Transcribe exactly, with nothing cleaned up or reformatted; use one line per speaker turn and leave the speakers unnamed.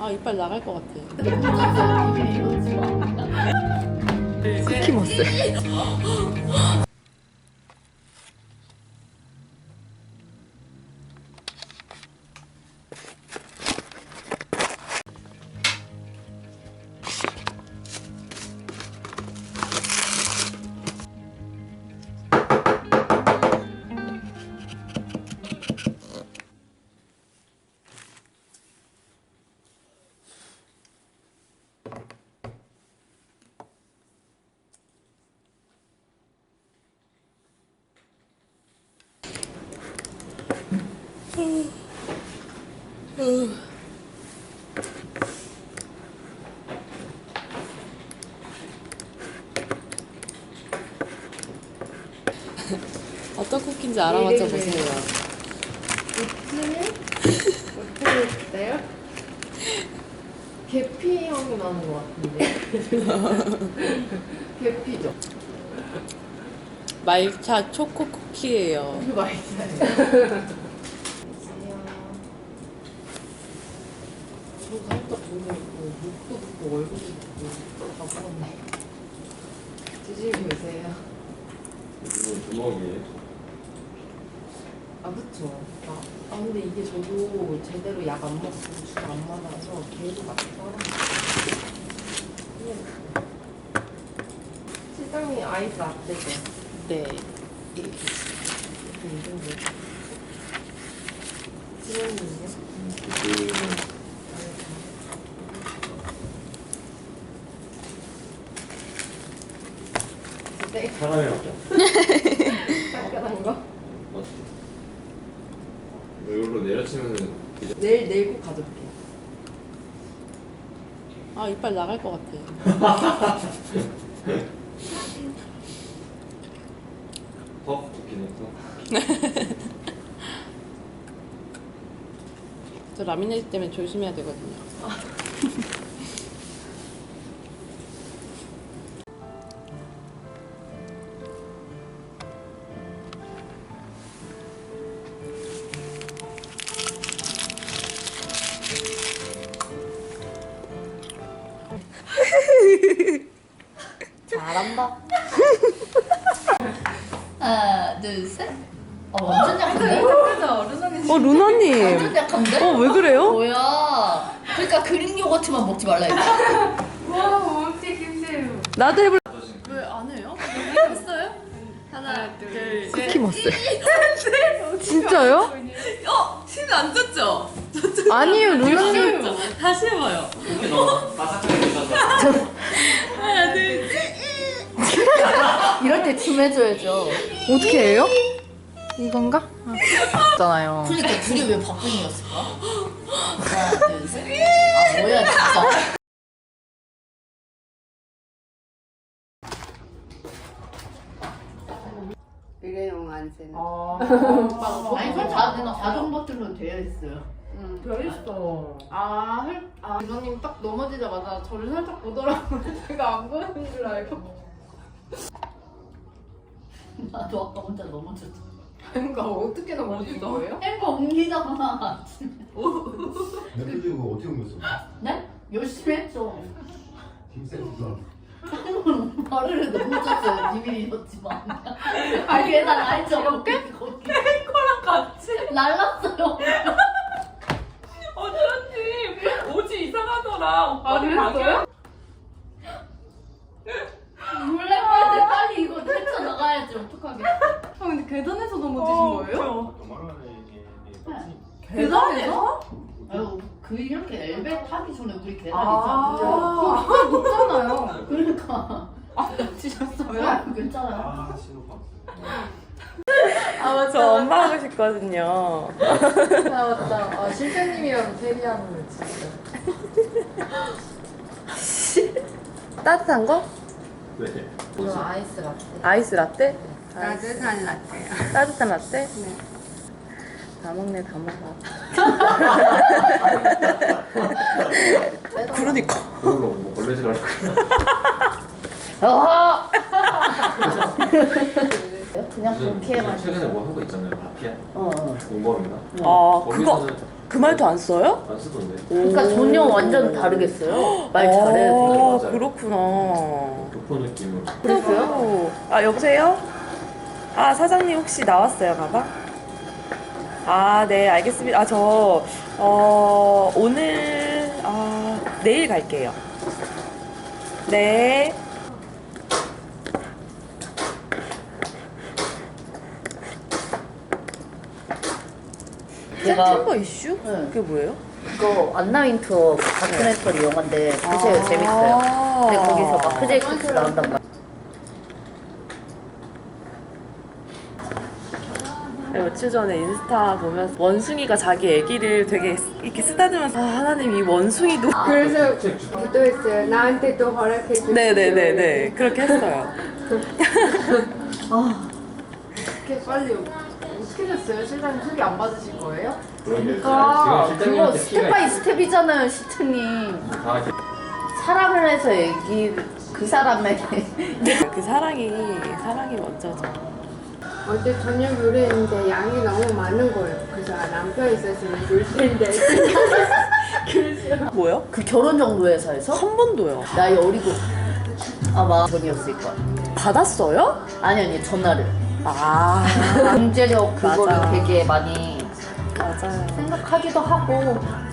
아, 이빨 나갈 것 같아.
쿠키머스.
어떤 쿠키인지 알아맞혀 보세요.
오트는 어때요? 계피 향이 나는 것 같은데. 계피죠?
말차 초코 쿠키예요.
이거 맛있어요. 저 살짝 눈을 있고 목도 붓고 얼굴도 붓고 다 부었네. 드시고 계세요?
이건 주먹이에요?
아 그쵸. 아, 아 근데 이게 저도 제대로 약 안 먹고 술 안 맞아서 계속 맛이 떨어져요. 실장님 아이스 라떼죠?
네.
이렇게 이렇게 이 정도. 지원님은요?
그
네.
사람이 맞죠?
따끈한 거?
이걸로 내려치면은
내일 내일 꼭 가져올게요.
아, 이빨 나갈 것 같아.
퍽 좋긴 했어.
저 라미네이트 때문에 조심해야 되거든요.
잘한다. 하나, 둘, 셋. 어, 완전 약한데?
어, 루나님.
완전 약한데?
어, 왜 그래요?
뭐야? 그러니까 그릭 요거트만 먹지 말라 했지.
와 어떻게 김새우.
나도 해볼.
왜 안 해요? 했어요? 하나 둘 셋.
쿠키머스. 진짜요?
어? 힘이 안 줬죠?
아니에요, 루나님.
다시 해봐요.
이렇게 너무 바삭하게 드셔서
하나, 둘, 셋.
이럴 때 춤 해줘야죠.
어떻게 해요? 이건가? 있잖아요.
그러니까 둘이 왜 바꾼이었을까? 하나, 둘, 셋. 아, 뭐야, 진짜.
일회용 안세는.
아, 아니, 그 자, 자동 버튼으로 되어 있어요.
응. 별있어. 아, 할, 아, 이모님 딱 넘어지자마자 저를 살짝 보더라고요. 제가 안 보이는 줄 알고.
나도 아까 혼자 넘어졌어.
그러니까 어떻게 넘어진 거예요?
햄버 옮기잖아.
근데 그거 어떻게 옮겼어?
네? 열심히 했죠.
힘세구나.
발을 넘어졌어요. 비밀이었지만. 아, 얘나 알죠? 이렇게? 거기.
랑 같이.
날랐어요.
어쩌지? 옷이 이상하더라.
아, 그랬어요?
몰래 빨리 빨리 이거 헤쳐나가야지. 어떡하게.
아, 근데 계단에서 넘어지신 거예요?
계단에서?
아유, 그 이렇게 엘베 타기 전에 우리 계단
아,
있잖아.
그거 높잖아요.
그러니까.
아, 지셨어요?
아, 괜찮아요.
아 신호파.
아, 맞다.
저 엄마 하고 싶거든요.
아, 맞다. 아, 실장님이랑 테리하는 거 진짜.
따뜻한 거?
네.
저 아이스 라떼.
아이스 라떼?
따뜻한 라떼요.
따뜻한 라떼? 네. 다 먹네, 다 먹어. 그러니까.
그걸로 뭐 걸레질 할 거야.
아!
그냥
무슨
그렇게만.
최근에 뭐 한 거 있잖아요. 마피아
어, 어.
공범인가?
아 그거
거기서는
그 말도 안 써요?
안 쓰던데.
그러니까 전혀 완전 다르겠어요. 말 잘해.
아
맞아요.
그렇구나.
교포 느낌으로.
그랬어요?
아 여보세요? 아 사장님 혹시 나왔어요 가방? 아 네 알겠습니다. 아 저 어, 오늘 아 내일 갈게요. 네.
제가
템버 이슈?
네.
그게 뭐예요?
그거 안나윈터 다큐멘터리 영화인데 보세요. 재밌어요. 근데 거기서 마크 제이콥스 나온단 말이에요.
며칠 전에 인스타 보면서 원숭이가 자기 애기를 되게 이렇게 쓰다듬으면서 아 하나님 이 원숭이도
그래서 기도했어요. 나한테도 허락해 주세요.
네네네네 그렇게 했어요.
이렇게 빨리 어떻게 됐어요? 실장님 소개 안 받으실 거예요?
그러니까
지금
그거
실장님한테
스텝 바이 스텝이잖아요, 시트님.
아, 이제
사랑을 해서 애기 그 사람의
그 사랑이 사랑이 먼저죠.
어제 저녁 요리했는데 양이 너무 많은 거예요. 그래서 아, 남편 있었으면 줄 텐데.
뭐요?
그 결혼 정보 회사에서
한 번도요.
나이 어리고 아마 전이었을 거야.
받았어요?
아니 아니 전화를.
아
경제력 그거를
맞아.
되게 많이
맞아요.
생각하기도 하고